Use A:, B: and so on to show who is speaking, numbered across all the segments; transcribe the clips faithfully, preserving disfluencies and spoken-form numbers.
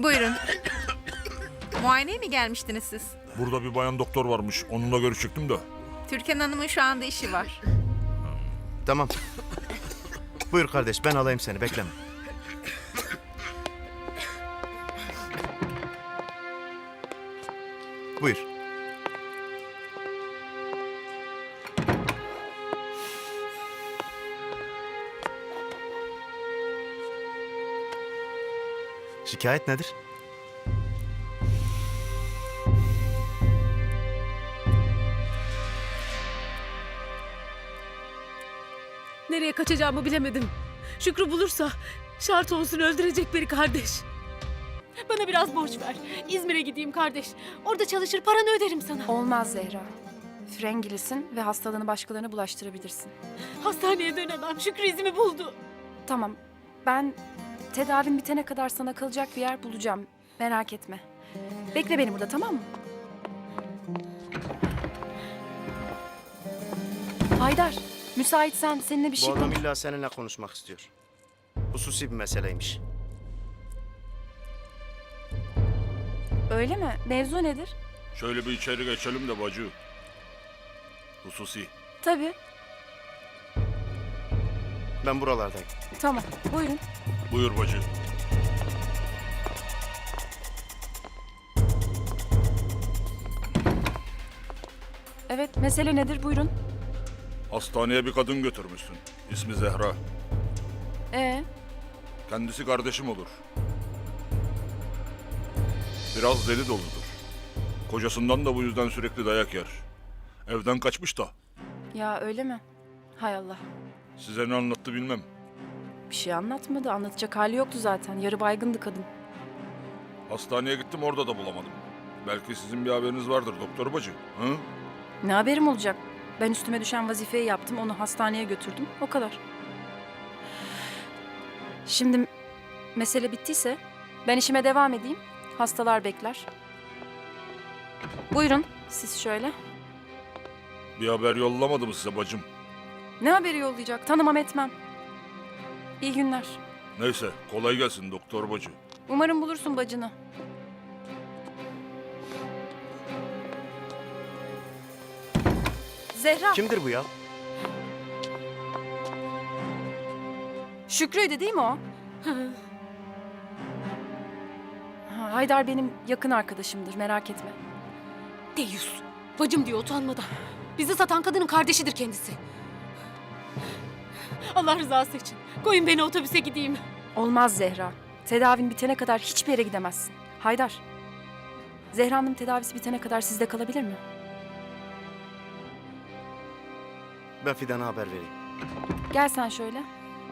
A: Buyurun. Muayeneye mi gelmiştiniz siz?
B: Burada bir bayan doktor varmış. Onunla görüşecektim de.
A: Türkan Hanım'ın şu anda işi var.
C: Tamam. Buyur kardeş, ben alayım seni, bekleme. Buyur. Şikayet nedir?
D: Nereye kaçacağımı bilemedim. Şükrü bulursa şart olsun öldürecek beni kardeş. Bana biraz borç ver. İzmir'e gideyim kardeş. Orada çalışır paranı öderim sana.
E: Olmaz Zehra. Frengilisin ve hastalığını başkalarına bulaştırabilirsin.
D: Hastaneye dönemem. Şükrü izimi buldu.
E: Tamam, ben tedavin bitene kadar sana kalacak bir yer bulacağım. Merak etme. Bekle beni burada, tamam mı? Haydar, müsaitsen seninle bir
C: Bu
E: şey
C: adam
E: konuş...
C: illa seninle konuşmak istiyor. Hususi bir meseleymiş.
E: Öyle mi? Mevzu nedir?
B: Şöyle bir içeri geçelim de bacı. Hususi.
E: Tabii,
C: Ben buralardayım.
E: tamam. Buyurun.
B: Buyur bacı.
E: Evet, mesele nedir? Buyurun.
B: Hastaneye bir kadın götürmüşsün. İsmi Zehra.
E: Ee,
B: Kendisi kardeşim olur. Biraz deli doludur. Kocasından da bu yüzden sürekli dayak yer. Evden kaçmış da.
E: ya öyle mi? Hay Allah.
B: Size ne anlattı bilmem.
E: Bir şey anlatmadı. Anlatacak hali yoktu zaten. Yarı baygındı kadın.
B: Hastaneye gittim, orada da bulamadım. Belki sizin bir haberiniz vardır doktor bacı. Hı?
E: Ne haberim olacak? Ben üstüme düşen vazifeyi yaptım, onu hastaneye götürdüm. O kadar. Şimdi mesele bittiyse ben işime devam edeyim. Hastalar bekler. Buyurun siz şöyle.
B: Bir haber yollamadı mı size bacım?
E: Ne haberi yollayacak? Tanımam etmem. İyi günler.
B: Neyse, kolay gelsin doktor bacı.
E: Umarım bulursun bacını. Zehra.
C: Kimdir bu ya?
E: Şükrü'ydü değil mi o? Ha, Haydar benim yakın arkadaşımdır, merak etme.
D: Deyus. Bacım diyor utanmadan. Bizi satan kadının kardeşidir kendisi. Allah rızası için. Koyun beni otobüse gideyim.
E: Olmaz Zehra. Tedavin bitene kadar hiçbir yere gidemezsin. Haydar. Zehra'nın tedavisi bitene kadar sizde kalabilir mi?
C: Ben Fidan'a haber vereyim.
E: Gel sen şöyle.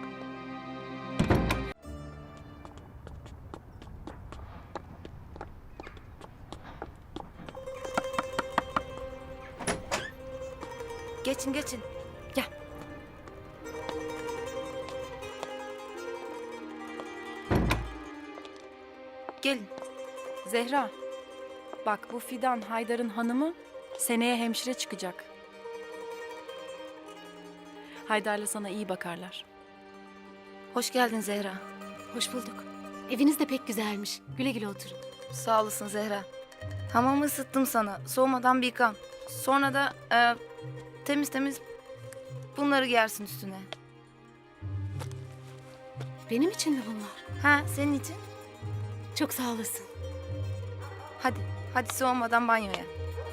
E: Geçin geçin. Gel. Gelin. Zehra. Bak bu Fidan Haydar'ın hanımı seneye hemşire çıkacak. Haydar'la sana iyi bakarlar.
F: Hoş geldin Zehra.
D: Hoş bulduk. Eviniz de pek güzelmiş. Güle güle oturun.
F: Sağ olasın Zehra. Hamamı ısıttım sana. Soğumadan bir yıkan. Sonra da e, temiz temiz bunları giyersin üstüne.
D: Benim için mi bunlar?
F: Ha, senin için.
D: Çok sağ olasın.
F: Hadi, hadi soğumadan banyoya.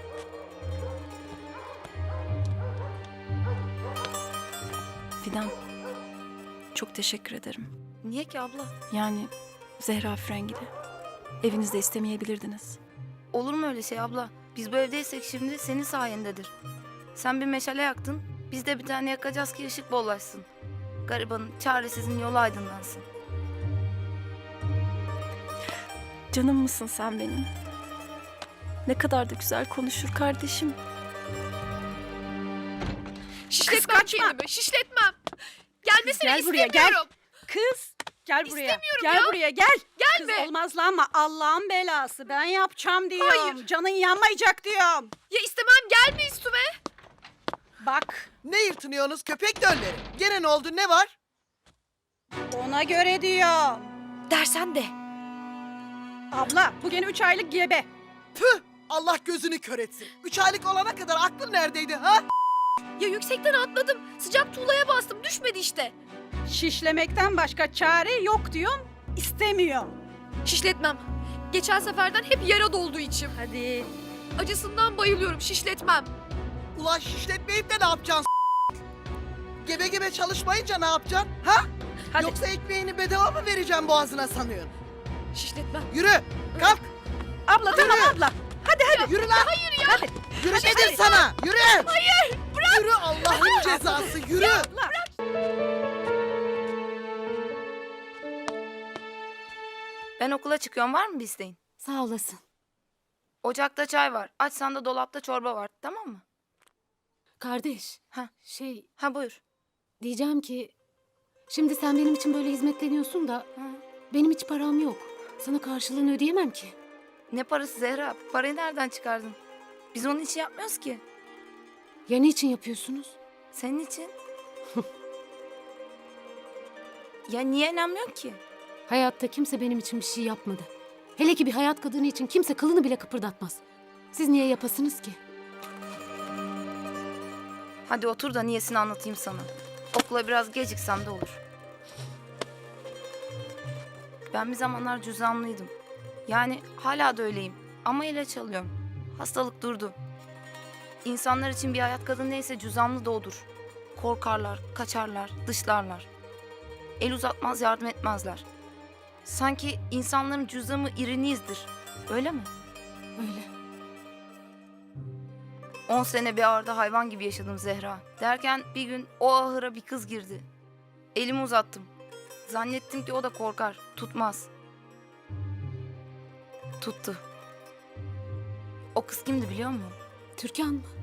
E: Fidan. Çok teşekkür ederim.
F: Niye ki abla?
E: Yani Zehra Frengili. Evinizde istemeyebilirdiniz.
F: Olur mu öyle şey abla? Biz bu evdeysek şimdi senin sayendedir. Sen bir meşale yaktın. Biz de bir tane yakacağız ki ışık bollaşsın. Garibanın, çaresizin yolu aydınlansın.
E: Canım mısın sen benim? Ne kadar da güzel konuşur kardeşim.
G: Şişletmem kendimi, şişletmem. Gelmesini
H: Gel buraya, gel.
G: istemiyorum.
H: Kız gel buraya.
G: İstemiyorum
H: gel
G: ya.
H: buraya gel.
G: Gelme.
H: Kız olmazlanma, Allah'ın belası. Ben yapacağım diyorum.
G: Hayır.
H: Canın yanmayacak diyorum.
G: Ya istemem, gelme üstüme.
H: Bak
I: Ne yırtınıyorsunuz köpek dölleri? Gene ne oldu, ne var?
H: ona göre diyorum.
F: Dersen de.
H: Abla bu gene üç aylık gebe.
I: Tüh! Allah gözünü kör etsin. Üç aylık olana kadar aklın neredeydi ha?
G: Ya yüksekten atladım. Sıcak tuğlaya bastım. Düşmedi işte.
H: Şişlemekten başka çare yok diyorum. İstemiyor.
G: Şişletmem. Geçen seferden hep yara doldu içim.
H: Hadi.
G: Acısından bayılıyorum. Şişletmem.
I: Ulan şişletmeyip de ne yapacaksın? Gebe gebe çalışmayınca ne yapacaksın? Ha?
H: Hadi.
I: Yoksa ekmeğini bedava mı vereceğim boğazına sanıyorsun?
G: Şişletmem.
I: Yürü! Kalk!
H: Abla tamam
I: Yürü.
H: abla.
I: Yürü lan!
G: Hayır ya.
H: Hadi.
I: Yürü dedim sana! Yürü! Hayır! Bırak! Yürü Allah'ın cezası! Yürü!
H: Abla.
F: Ben okula çıkıyorum, var mı bir isteğin?
D: Sağ olasın.
F: Ocakta çay var. Açsan da dolapta çorba var, tamam mı?
D: Kardeş.
F: Ha.
D: Şey
F: Ha buyur.
D: diyeceğim ki şimdi sen benim için böyle hizmetleniyorsun da
F: Hı.
D: benim hiç param yok. Sana karşılığını ödeyemem ki.
F: Ne parası Zehra? Parayı nereden çıkardın? Biz onun için yapmıyoruz ki.
D: Ya ne için yapıyorsunuz?
F: Senin için. Ya niye inanmıyorsun ki?
D: Hayatta kimse benim için bir şey yapmadı. Hele ki bir hayat kadını için kimse kılını bile kıpırdatmaz. Siz niye yapasınız ki?
F: Hadi otur da niyesini anlatayım sana. Okula biraz geciksem de olur. Ben bir zamanlar cüzdanlıydım. Yani hala da öyleyim. Ama ilaç alıyorum. Hastalık durdu. İnsanlar için bir hayat kadın neyse cüzdanlı da odur. Korkarlar, kaçarlar, dışlarlar. El uzatmaz, yardım etmezler. Sanki insanların cüzdanı irinizdir. Öyle mi?
D: Öyle.
F: On sene bir ağırda hayvan gibi yaşadım Zehra. Derken bir gün o ahıra bir kız girdi. Elimi uzattım. Zannettim ki o da korkar, tutmaz. Tuttu. O kız kimdi biliyor musun?
D: Türkan mı?